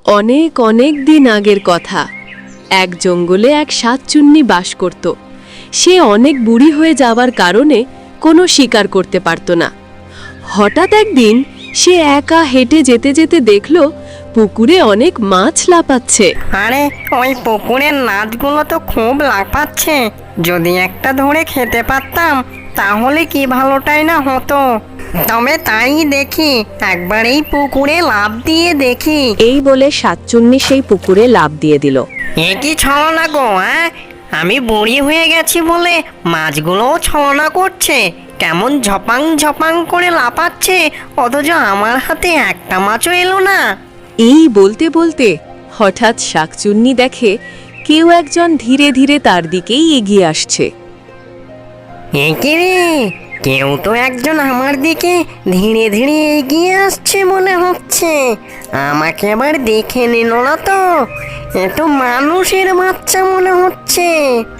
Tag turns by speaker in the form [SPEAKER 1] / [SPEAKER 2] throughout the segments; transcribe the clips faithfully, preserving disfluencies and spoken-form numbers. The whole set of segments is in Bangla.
[SPEAKER 1] অনেক অনেক দিন আগের কথা। এক জঙ্গলে এক সাতচুন্নি বাস করত। সে অনেক বুড়ি হয়ে যাওয়ার কারণে কোনো শিকার করতে পারত না। হঠাৎ একদিন সে একা হেঁটে যেতে যেতে দেখল পুকুরে অনেক মাছ লাফাচ্ছে।
[SPEAKER 2] আরে ওই পুকুরের মাছগুলো তো খুব লাফাচ্ছে, যদি একটা ধরে খেতে পারতাম তাহলে কি ভালোটাই না হতো। তবে তাই দেখি, একবার এই পুকুরে লাফ দিয়ে দেখি।
[SPEAKER 1] এই বলে সাতচুন্নি সেই পুকুরে লাফ দিয়ে দিল।
[SPEAKER 2] এ কি ছলনা গো, হ্যাঁ? আমি বুড়ি হয়ে গেছি বলে মাছগুলোও ছলনা করছে, কেমন ঝপাং ঝপাং করে লাফাচ্ছে, অথচ আমার হাতে একটা মাছও এলো না।
[SPEAKER 1] এই বলতে বলতে হঠাৎ শাকচুন্নি দেখে কেউ একজন ধীরে ধীরে তার দিকেই এগিয়ে আসছে।
[SPEAKER 2] এ কি রে, কেউ তো একজন আমার দিকে ধীরে ধীরে এগিয়ে আসছে মনে হচ্ছে। আমাকে আবার দেখে নিল না তো? এ তো মানুষের বাচ্চা মনে হচ্ছে।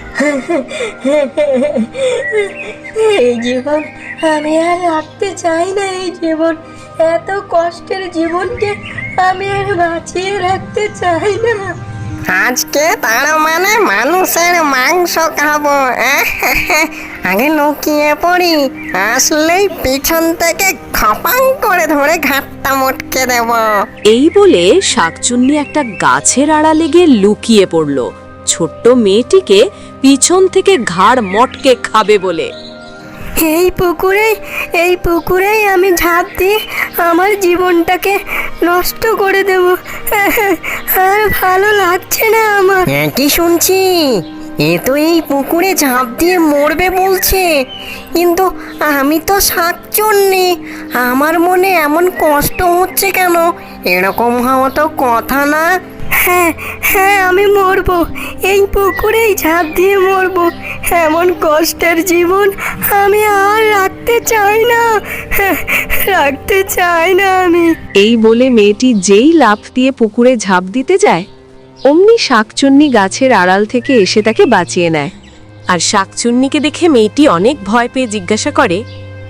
[SPEAKER 3] এই জীবন আমি আর রাখতে চাই না। এই জীবন, এত কষ্টের জীবনকে আমি আর বাঁচিয়ে রাখতে চাই না।
[SPEAKER 2] আজকে তার মানে মানুষের মাংস খাবো। আগে লুকিয়ে পড়ি, আসলেই পিছন থেকে খপাং করে ধরে ঘাটটা মটকে দেব।
[SPEAKER 1] এই বলে শাকচুন্নি একটা গাছের আড়ালে গিয়ে লুকিয়ে পড়ল, ছোট্ট মেয়েটিকে পিছন থেকে ঘাড় মটকে খাবে বলে।
[SPEAKER 3] এই পুকুরে এই পুকুরেই আমি ঝাঁপ দিয়ে আমার জীবনটাকে নষ্ট করে দেব। আর ভালো লাগছে না আমার।
[SPEAKER 2] কি শুনছি, এ তো এই পুকুরে ঝাঁপ দিয়ে মরবে বলছে, কিন্তু আমি তো শাকচুন্নি, আমার মনে এমন কষ্ট হচ্ছে কেন? এরকম হওয়া তো কথা না।
[SPEAKER 3] হ্যাঁ হ্যাঁ আমি মরবো, এই পুকুরেই ঝাঁপ দিয়ে মরবো। এমন কষ্টের জীবন আমি আর রাখতে চাই না, রাখতে চাই না আমি।
[SPEAKER 1] এই বলে মেয়েটি যেই লাফ দিয়ে পুকুরে ঝাঁপ দিতে যায়, অমনি শাকচুন্নি গাছের আড়াল থেকে এসে তাকে বাঁচিয়ে নেয়। আর শাকচুন্নিকে দেখে মেয়েটি অনেক ভয় পেয়ে জিজ্ঞাসা করে,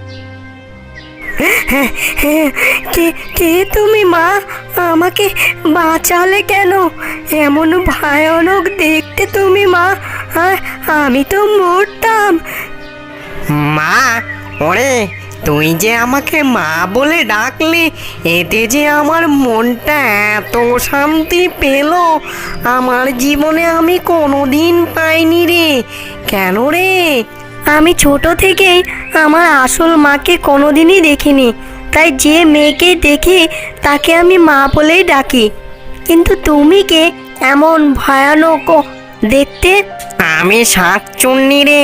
[SPEAKER 3] কে কে তুমি মা? আমাকে বাঁচালে কেন? এমন ভয়ানক দেখতে তুমি মা, আর আমি তো মরতাম।
[SPEAKER 2] মা? ওরে, তুই যে আমাকে মা বলে ডাকলি, এতে যে আমার মনটা এত শান্তি পেল, আমার জীবনে আমি কোনোদিন পাইনি রে। কেন রে?
[SPEAKER 3] আমি ছোট থেকেই আমার আসল মাকে কোনোদিনই দেখিনি, তাই যে মেয়েকে দেখি তাকে আমি মা বলেই ডাকি। কিন্তু তুমি কে এমন ভয়ানক দেখতে?
[SPEAKER 2] আমি শাকচুন্নি রে,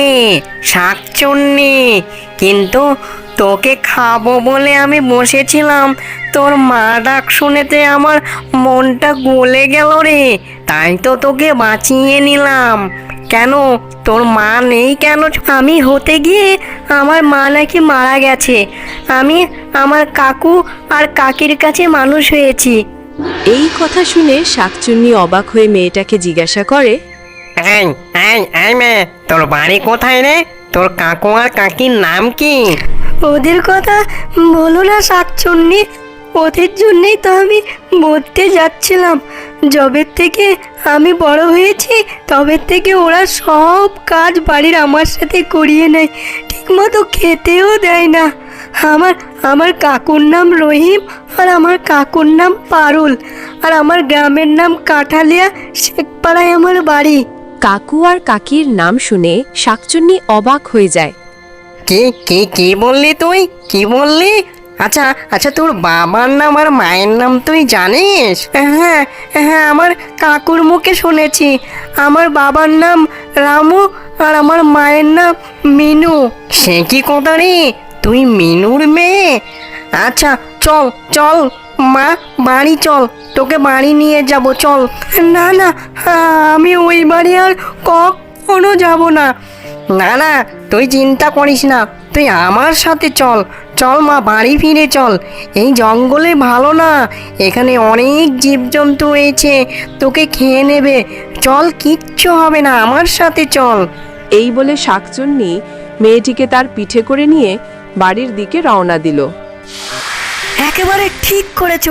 [SPEAKER 2] শাকচুন্নি। কিন্তু তোকে খাবো বলে আমি বসেছিলাম, তোর মা ডাক শুনেতে আমার মনটা গলে গেল রে, তাই তো তোকে বাঁচিয়ে নিলাম। কেন, তোর মা নেই কেন?
[SPEAKER 3] আমি হতে গিয়ে আমার মা নাকি মারা গেছে। আমি আমার কাকু আর কাকির কাছে মানুষ হয়েছি।
[SPEAKER 1] এই কথা শুনে শাকচুন্নি অবাক হয়ে মেয়েটাকে জিজ্ঞাসা করে,
[SPEAKER 2] এই এই এই মেয়ে, তোর বাড়ি কোথায় রে? তোর কাকু আর কাকির নাম কি?
[SPEAKER 3] ওদের কথা বলো না শাকচুন্নি, ওদের জন্যই তো আমি মরতে যাচ্ছিলাম। যবের থেকে আমি বড় হয়েছি তবে থেকে ওরা সব কাজ বাড়ির আমার সাথে করিয়ে নেয়, ঠিকমতো খেতেও দেয় না। আমার আমার কাকুর নাম রহিম, আর আমার কাকুর নাম পারুল, আর আমার গ্রামের নাম কাঠালিয়া, শেখপাড়ায় আমার বাড়ি।
[SPEAKER 1] কাকু আর কাকির নাম শুনে শাকচুন্নি অবাক হয়ে যায়।
[SPEAKER 2] কি কি কি বললি তুই? কি বললি? আচ্ছা আচ্ছা, তোর বাবার নাম আর মায়ের নাম তুই জানিস?
[SPEAKER 3] হ্যাঁ হ্যাঁ আমার কাকুর মুখে শুনেছি। আমার বাবার নাম রামু আর আমার মায়ের নাম মিনু।
[SPEAKER 2] সে কি কথা রে, তুই মিনুর মেয়ে? আচ্ছা চল চল মা, বাড়ি চল, তোকে বাড়ি নিয়ে যাব, চল।
[SPEAKER 3] না না, আমি ওই বাড়ি আর কখনো যাব না।
[SPEAKER 2] না না, তুই চিন্তা করিস না, তুই আমার সাথে চল। চল মা, বাড়ি ফিরে চল। এই জঙ্গলে ভালো না, এখানে অনেক জীবজন্তু হয়েছে, তোকে খেয়ে নেবে। চল, কিচ্ছু হবে না, আমার সাথে চল।
[SPEAKER 1] এই বলে শাকচুন্নি মেয়েটিকে তার পিঠে করে নিয়ে বাড়ির দিকে রওনা দিল।
[SPEAKER 3] একেবারে ঠিক করেছো,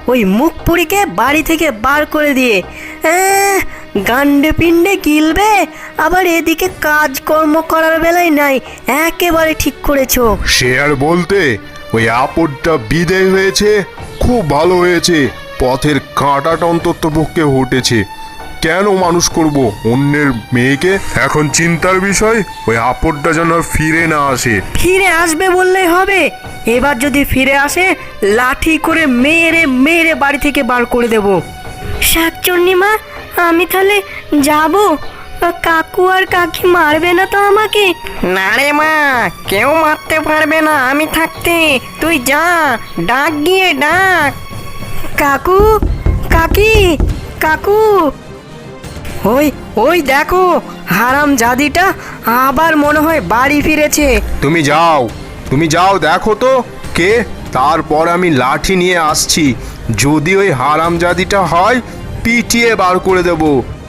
[SPEAKER 3] ওই মুখ পুরিকে বাড়ি থেকে বার করে দিয়ে আহ, গান্ডে পিণ্ডে গিলবে, আবার এদিকে কাজকর্ম করার বেলায় নাই। একেবারে ঠিক করেছো।
[SPEAKER 4] সে আর বলতে, ওই আপদটা বিদেয় হয়েছে, খুব ভালো হয়েছে। পথের কাঁটাটা অন্তত পক্ষে উঠেছে। কেন মানুষ করব অন্যের মেয়েকে? এখন চিন্তার বিষয় ওই আপদটা যেন আর ফিরে না আসে।
[SPEAKER 3] ফিরে আসবে বললেই হবে? এবার যদি ফিরে আসে, লাঠি করে মেরে মেরে বাড়ি থেকে বার করে দেব। শাকচুন্নি মা, আমি তাহলে যাব? কাকু আর কাকি মারবে না তো আমাকে?
[SPEAKER 2] না রে মা, কেউ মারতে পারবে না আমি থাকতে। তুই যা, ডাক গিয়ে ডাক।
[SPEAKER 3] কাকু, কাকি, কাকু। ওই ওই দেখো, হারাম জাদিটা আবার মনে হয় বাড়ি ফিরেছে।
[SPEAKER 4] তুমি যাও, তুমি যাও, দেখো তো কে। তারপর আমি লাঠি নিয়ে আসছি। যদি ওই হারামজাদিটা হয়, পিটিয়ে বার করে দেব।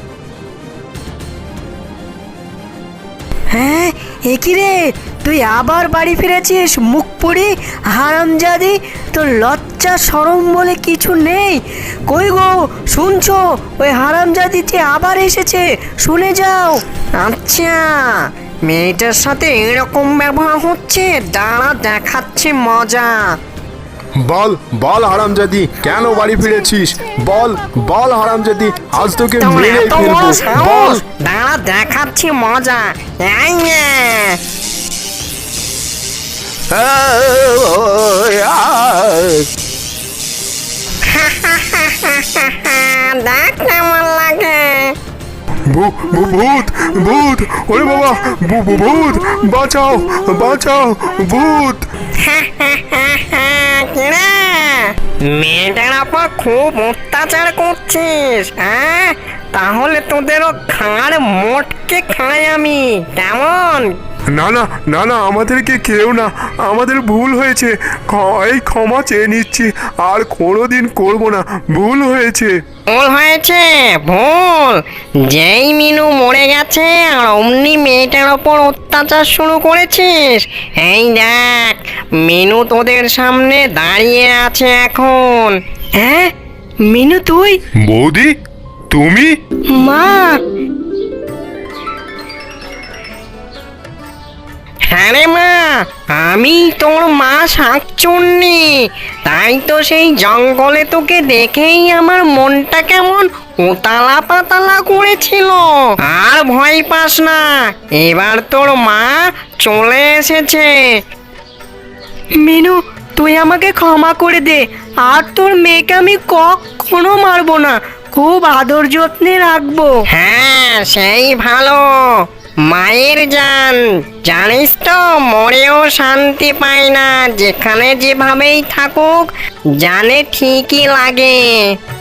[SPEAKER 3] হ্যাঁ, একই রে, তুই আবার বাড়ি ফিরেছিস মুখ পুরি হারামজাদি? তোর লজ্জা শরম বলে কিছু নেই? কই গো, শুনছো? ওই হারামজাদি যে আবার এসেছে, শুনে যাও।
[SPEAKER 2] আচ্ছা, মেয়েটার সাথে এরকম ব্যবহার হচ্ছে, দাঁড়া দেখাচ্ছে মজা।
[SPEAKER 4] বল বল হারামজাদি, কেন বাড়ি ফিরেছিস? বল বল হারামজাদি, আজ তোকে
[SPEAKER 2] তোর
[SPEAKER 4] মেরে
[SPEAKER 2] এত বড়
[SPEAKER 4] ফেলবো। বল।
[SPEAKER 2] সাহস! দাঁড়া দেখাচ্ছি মজা। এই নে। দেখ কেমন লাগে।
[SPEAKER 4] ভূ- ভূ- ভূত ভূত, ওরে বাবা, ভূ- ভূ- ভূত, বাঁচাও বাঁচাও, ভূত।
[SPEAKER 2] কিরে, মেয়েটার আপা খুব অত্যাচার করছিস, হ্যাঁ? তাহলে তোদেরও খাঁড় মোটকে খাই আমি, কেমন?
[SPEAKER 4] না না না না, আমাদেরকে কেউ না, আমাদের ভুল হয়েছে। খ- এই ক্ষমা চেয়ে নিচ্ছি, আর কোনোদিন করবো না, ভুল হয়েছে।
[SPEAKER 2] ভুল হয়েছে, ভুল। যেই মিনু মরে গেছে আর অমনি মেয়েটার ওপর অত্যাচার শুরু করেছিস। এই দেখ, মিনু তোদের সামনে দাঁড়িয়ে আছে এখন।
[SPEAKER 3] হ্যাঁ মিনু, তুই?
[SPEAKER 4] বৌদি, তুমি?
[SPEAKER 3] মা,
[SPEAKER 2] হ্যাঁ রে মা, আমি তোর মা শাকচুন্নি। তাই তো সেই জঙ্গলে তোকে দেখেই আমার মনটা কেমন উতালা পাতালা করেছিল। আর ভয় পাস না, এবার তোর মা চলে এসেছে।
[SPEAKER 3] মিনু, তুই আমাকে ক্ষমা করে দে। আর তোর মেয়েকে আমি কখনো মারবো না, খুব আদর যত্নে রাখবো।
[SPEAKER 2] হ্যাঁ, সেই ভালো। মায়ের জান, জানিস তো মরেও শান্তি পায় না, যেখানে যেভাবেই থাকুক জানে ঠিকই লাগে।